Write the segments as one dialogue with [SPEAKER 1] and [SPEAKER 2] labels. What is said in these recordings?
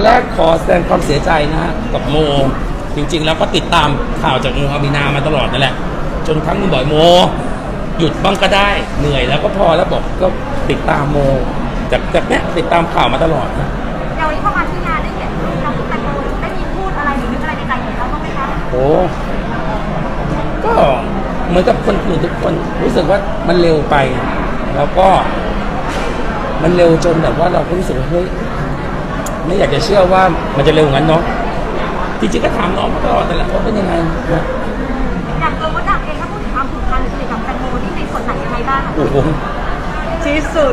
[SPEAKER 1] แรกขอแสดงความเสียใจนะฮะกับโมจริงๆแล้วก็ติดตามข่าวจากโมอามีนามาตลอดนั่นแหละจนครั้งนึงบ่อยโมหยุดบ้างก็ได้เหนื่อยแล้วก็พอแล้วบอกก็ติดตามโมจากเนี้ยติดตามข่าวมาตลอดนะ
[SPEAKER 2] เราเข้ามาที่งานได้เห็นน้องแตงโมได้มีพูดอะไรหรือนึกอะไรในใจของเขาบ้างไหมคะ
[SPEAKER 1] โอ้ก็เหมือนกับคนอื่นทุกคนรู้สึกว่ามันเร็วไปแล้วก็มันเร็วจนแบบว่าเราก็รู้สึกว่าเฮ้ยไม่อยากจะเชื่อว่ามันจะเร็วงั้นเนาะจริงๆก็ถามน้องมาตลอดแต่ละว่าเป็นยังไงนะ
[SPEAKER 2] อย่างตัวมดดำเองถ้าพูดถึงความผูกพันหรือสนิทกับแตงโมนี่ในส่วนไหนยังไงบ้าง
[SPEAKER 1] โอ้โห
[SPEAKER 3] ที่สุด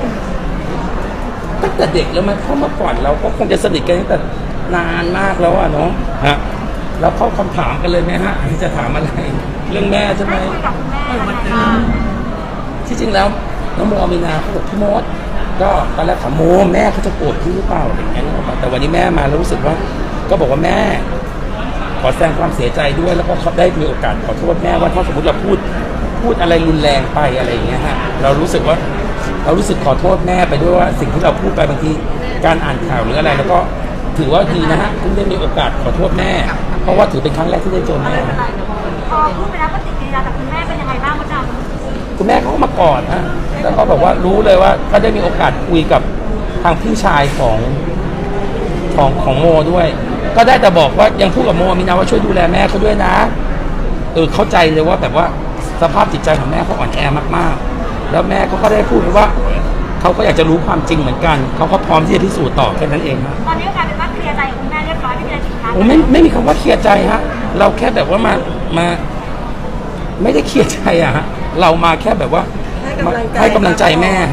[SPEAKER 1] ตั้งแต่เด็กแล้วมันเข้ามาก่อนเราก็คงจะสนิทกันตั้งแต่นานมากแล้วอะเนาะฮะแล้วเข้าคำถามกันเลยไหมฮะจะถามอะไรเรื่องแม่ใช่ไหม
[SPEAKER 2] คุยกับคุณแม่
[SPEAKER 1] ที่จริงแล้วน้องโมอามีนาเขาบอกพี่มดก็ตอนแรกถามโมแม่เขาจะโกรธพี่หรือเปล่าอะไรอย่างเงี้ยแต่วันนี้แม่มาแล้วรู้สึกว่าก็บอกว่าแม่ขอแสดงความเสียใจด้วยแล้วก็เขาได้มีโอกาสขอโทษแม่ว่าถ้าสมมติเราพูดอะไรรุนแรงไปอะไรอย่างเงี้ยฮะเรารู้สึกขอโทษแม่ไปด้วยว่าสิ่งที่เราพูดไปบางทีการอ่านข่าวหรืออะไรแล้วก็ถือว่าดีนะฮะคุณได้มีโอกาสขอโทษแม่เพราะว่าถือเป็นครั้งแรกที่ได้เจอแม่
[SPEAKER 2] พอพูดไปแล้วปฏิกิริยาจากคุณแม่เป็นยังไงบ้างมดดำ
[SPEAKER 1] คุณแม่เขาก็มากอดฮะแล้วก็บอกว่ารู้เลยว่าก็ได้มีโอกาสคุยกับทางพี่ชายของโมด้วยก็ได้แต่บอกว่ายังพูดกับโมมีนะว่าช่วยดูแลแม่เขาด้วยนะเข้าใจเลยว่าแบบว่าสภาพจิตใจของแม่เขาอ่อนแอมากๆแล้วแม่เขาก็ได้พูดว่าเขาก็อยากจะรู้ความจริงเหมือนกันเขาก็พร้อมที่จะพิสูจน์ต่อแค่นั้นเองครับ
[SPEAKER 2] ตอนนี้กลายเป็นว่าเคลียร์ใจคุณแม่เรียบร้อยไม่มีอะไรติดค้าง
[SPEAKER 1] ไม่มีคำว่าเคลียร์ใจฮะเราแค่แบบว่ามาไม่ได้เคลียร์ใจอะฮะเรามาแค่แบบว่าให้กำลังใจแม่